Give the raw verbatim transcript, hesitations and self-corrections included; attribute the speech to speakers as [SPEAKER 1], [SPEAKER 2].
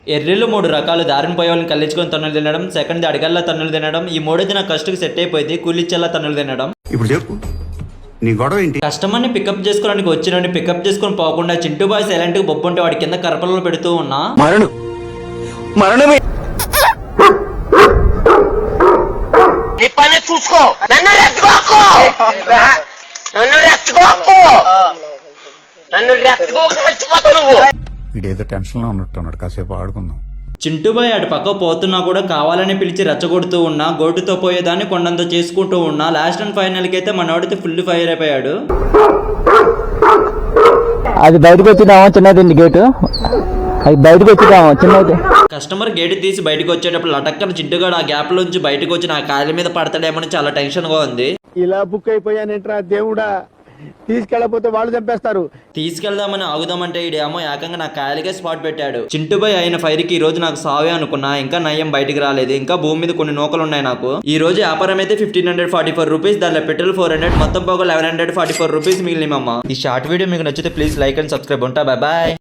[SPEAKER 1] ఎర్రిళ్ళు మూడు రకాలు. దారిని పోయే వాళ్ళని కల్లించుకొని తన్నులు తినడం, సెకండ్ అడిగల్లా తన్నులు తినడం, ఈ మూడోది నా కష్టకు సెట్ అయిపోయింది కూలిచ్చేలా తన్నులు తినడం.
[SPEAKER 2] ఇప్పుడు చెప్పు నీ గొడవ ఏంటి?
[SPEAKER 1] కస్టమర్ని పికప్ చేసుకోవడానికి వచ్చినండి పికప్ చేసుకొని పోకుండా చింటూ బాయ్ సైలెంట్ గా బొబ్బు ఉంటే వాడి కింద కరపలలో పెడుతూ ఉన్నా.
[SPEAKER 3] మరణం మరణమే
[SPEAKER 4] చూసుకో నన్ను రెచ్చగోకు నన్ను రెచ్చగోకు నన్ను రెచ్చగోకు రెచ్చిపోతావు నువ్వు.
[SPEAKER 2] వీడేదో టెన్షన్ లో ఉన్నట్టున్నాడు, కాసేపు ఆడుకుందాం.
[SPEAKER 1] చింటూబాయ్ అటు పక్క పోతున్నా కూడా కావాలని పిలిచి రెచ్చగొడుతూ ఉన్నా, గోటుతో పోయేదాన్ని కొండంత చేసుకుంటూ ఉన్నా. లాస్ట్ అండ్ ఫైనల్ కి అయితే మనోడితే ఫుల్ ఫైర్ అయిపోయాడు.
[SPEAKER 5] అది బయటకు వచ్చినామో చిన్నది గేటు, అది బయటకు వచ్చినామో చిన్నది.
[SPEAKER 1] కస్టమర్ గేట్ తీసి బయటకు వచ్చేటప్పుడు లటక్కన చింటుగాడు ఆ గ్యాప్ లోంచి బయటకు వచ్చి నా కాళ్ళ మీద పడతాడేమని చాలా టెన్షన్ గా ఉంది.
[SPEAKER 6] ఇలా బుక్ అయిపోయానేట్రా దేవుడా, తీసుకెళ్ళకపోతే వాళ్ళు చంపేస్తారు.
[SPEAKER 1] తీసుకెళ్దామని ఆగుదామంటే ఈడేమో ఏకంగా నా కాయలకే స్పాట్ పెట్టాడు. చింటుబాయ్ అయిన ఫైర్ కి ఈ రోజు నాకు సావే అనుకున్నా, ఇంకా నయ్యం బయటికి రాలేదు. ఇంకా భూమి మీద కొన్ని నూకలు ఉన్నాయి నాకు. ఈ రోజు వ్యాపారం అయితే fifteen hundred forty four rupees, దాంట్లో పెట్రోల్ ఫోర్ హండ్రెడ్, మొత్తం పోగా eleven hundred forty four rupees మిగిలినమ్మా. ఈ షార్ట్ వీడియో మీకు నచ్చితే ప్లీజ్ లైక్ అండ్ సబ్స్క్రైబ్. ఉంటా, బాయ్ బాయ్.